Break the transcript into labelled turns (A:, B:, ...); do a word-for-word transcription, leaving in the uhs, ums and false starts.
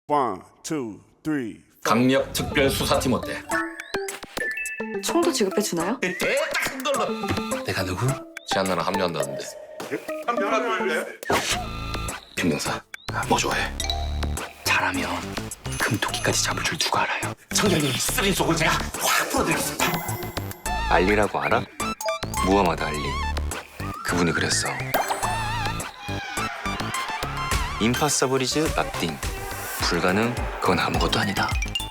A: One, two, three.
B: 강력 특별 수사팀 어때?
C: 총도 지급해 주나요?
B: 딱큰 걸로.
D: 내가 누구?
B: 지한나랑 합류한다는데. 김명사, 뭐 좋아해?
D: 잘하면 금토끼까지 잡을 줄 누가 알아요?
B: 청장님 쓰린 속을 제가 확 풀어드리겠습니다.
D: 알리라고 알아? 무하마드 알리. 그분이 그랬어. 임파서블이즈 납딩. 불가능, 그건 아무것도 아니다.